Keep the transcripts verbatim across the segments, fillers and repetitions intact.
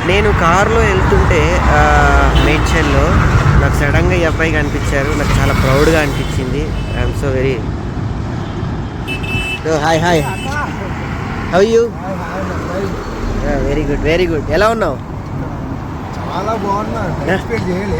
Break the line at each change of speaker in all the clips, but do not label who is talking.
నేను కారులో వెళ్తుంటే మేడ్చల్లో నాకు సడన్గా ఈ అబ్బాయి కనిపించారు. నాకు చాలా ప్రౌడ్గా అనిపించింది. I'm so very hi hi how you? Very good very good. ఎలా ఉన్నావు?
చాలా బాగున్నా. ఎక్స్పెక్ట్ చేయలే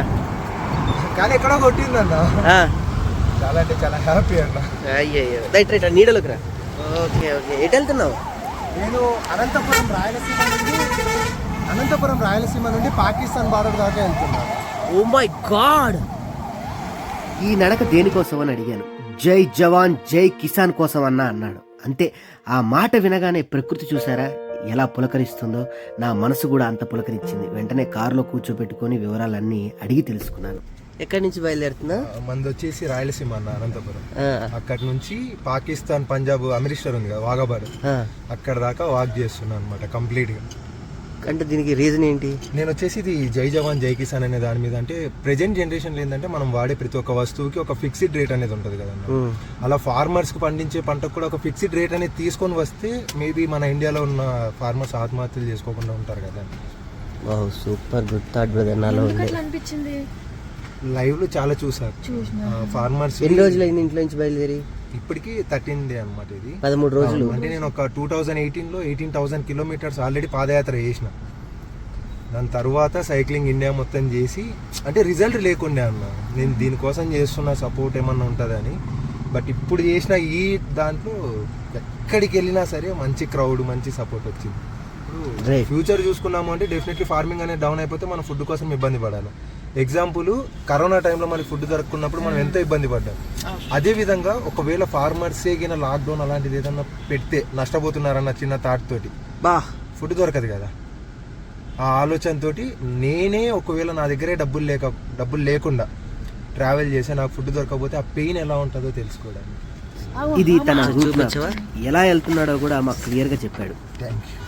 కానీ ఎక్కడో కొట్టిందన్న. చాలా అంటే చాలా హ్యాపీ అన్న.
అయ్యయ్యో రైట్ రైట్ నీడలోకి రా. ఓకే ఓకే ఎటు వెళ్తున్నావు?
నేను అనంతపురం రాయలసీమ నుండి అనంతపురం రాయలసీమ నుండి పాకిస్తాన్ బార్డర్ దాకా వెళ్తున్నాను.
ఓ మై గాడ్, ఈ నడక దేనికోసం అని అడిగాను. జై జవాన్ జై కిసాన్ కోసం అన్నా అన్నాడు. అంతే, ఆ మాట వినగానే ప్రకృతి చూసారా ఎలా పులకరిస్తుందో, నా మనసు కూడా అంత పులకరించింది. వెంటనే కారులో కూర్చోబెట్టుకొని వివరాలన్నీ అడిగి తెలుసుకున్నాను. ఎక్కడి నుంచి బయలుదేరుతున్నా?
మంది వచ్చేసి రాయలసీమ అన్న అనంతపురం. అక్కడి నుంచి పాకిస్తాన్ పంజాబ్ అమృత్సర్ ఉంది కదా వాఘా, అక్కడ దాకా వాక్ చేస్తున్నాను అనమాట కంప్లీట్ గా.
అంటే దీనికి రీజన్ ఏంటి?
నేను వచ్చేసి ఇది జై జవాన్ జై కిసాన్ అనే దాని మీద, అంటే ప్రెజెంట్ జనరేషన్ ఏంటంటే మనం వాడే ప్రతి ఒక్క వస్తువుకి ఒక ఫిక్స్డ్ రేట్ అనేది ఉంటుంది కదన్న. అలా ఫార్మర్స్ కి పండించే పంటకు కూడా ఒక ఫిక్స్డ్ రేట్ అనేది తీసుకొని వస్తే మేబీ మన ఇండియాలో ఉన్న ఫార్మర్స్ ఆత్మహత్యలు చేసుకోకుండా ఉంటారు కదా.
Super good thought brother. నాలో
అనిపించింది
లైవ్ లో చాలా చూసారు ఫార్మర్స్.
ఎన్ని రోజులు అయింది ఇంట్లో నుంచి బయలుదేరి?
ఇప్పటికి థర్టీన్ డే అనమాట. ఇది
పదమూడు రోజులు.
అంటే నేను ఒక టూ థౌజండ్ ఎయిటీన్ లో ఎయిటీన్ థౌసండ్ కిలోమీటర్స్ ఆల్రెడీ పాదయాత్ర చేసిన. దాని తర్వాత సైక్లింగ్ ఇండియా మొత్తం చేసి, అంటే రిజల్ట్ లేకుండే అన్న. నేను దీనికోసం చేస్తున్న సపోర్ట్ ఏమన్నా ఉంటుందని. బట్ ఇప్పుడు చేసిన ఈ దాంట్లో ఎక్కడికి వెళ్ళినా సరే మంచి క్రౌడ్, మంచి సపోర్ట్ వచ్చింది. ఫ్యూచర్ చూసుకున్నాము అంటే డెఫినెట్లీ ఫార్మింగ్ అనేది డౌన్ అయిపోతే మనం ఫుడ్ కోసం ఇబ్బంది పడాలి. ఎగ్జాంపుల్, కరోనా టైంలో మనకి ఫుడ్ దొరకకున్నప్పుడు మనం ఎంతో ఇబ్బంది పడ్డాం. అదే విధంగా ఒకవేళ ఫార్మర్స్ ఏగిన లాక్డౌన్ అలాంటిది ఏదన్నా పెడితే నష్టపోతున్నారన్న చిన్న థాట్ తోటి బా ఫుడ్ దొరకదు కదా, ఆ ఆలోచనతోటి నేనే ఒకవేళ నా దగ్గరే డబ్బులు లేక డబ్బులు లేకుండా ట్రావెల్ చేసి నాకు ఫుడ్ దొరకకపోతే ఆ పెయిన్ ఎలా ఉంటుందో తెలుసుకోవడానికి.
ఇది తన ఎలా వెళ్తున్నాడో కూడా మాకు క్లియర్ గా చెప్పాడు.
Thank you.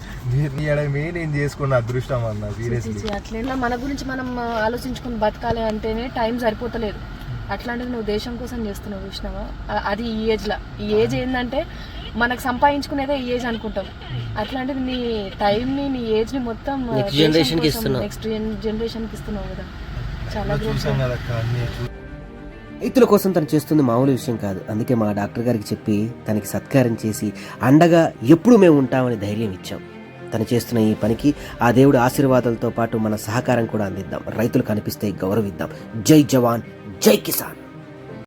నేను చేసుకున్న అదృష్టం అన్న. సీరియస్లీ
అట్లా మన గురించి మనం ఆలోచించుకుని బతకాలి అంటేనే టైం సరిపోతలేదు. అట్లాంటిది నువ్వు దేశం కోసం చేస్తున్నావు చూసినావా, అది ఈ ఏజ్ లా. ఈ ఏజ్ ఏంటంటే మనకు సంపాదించుకునేదే ఈ ఏజ్ అనుకుంటాం. అట్లాంటిది నీ టైం ని నీ ఏజ్ ని మొత్తం నెక్స్ట్ జనరేషన్ కి ఇస్తున్నావు కదా. చాలా
చూసాం కదా అక్క.
రైతుల కోసం తను చేస్తుంది మామూలు విషయం కాదు. అందుకే మా డాక్టర్ గారికి చెప్పి తనకి సత్కారం చేసి అండగా ఎప్పుడు మేము ఉంటామని ధైర్యం ఇచ్చాం. తను చేస్తున్న ఈ పనికి ఆ దేవుడి ఆశీర్వాదాలతో పాటు మన సహకారం కూడా అందిద్దాం. రైతులు కనిపిస్తే గౌరవిద్దాం. జై జవాన్ జై కిసాన్.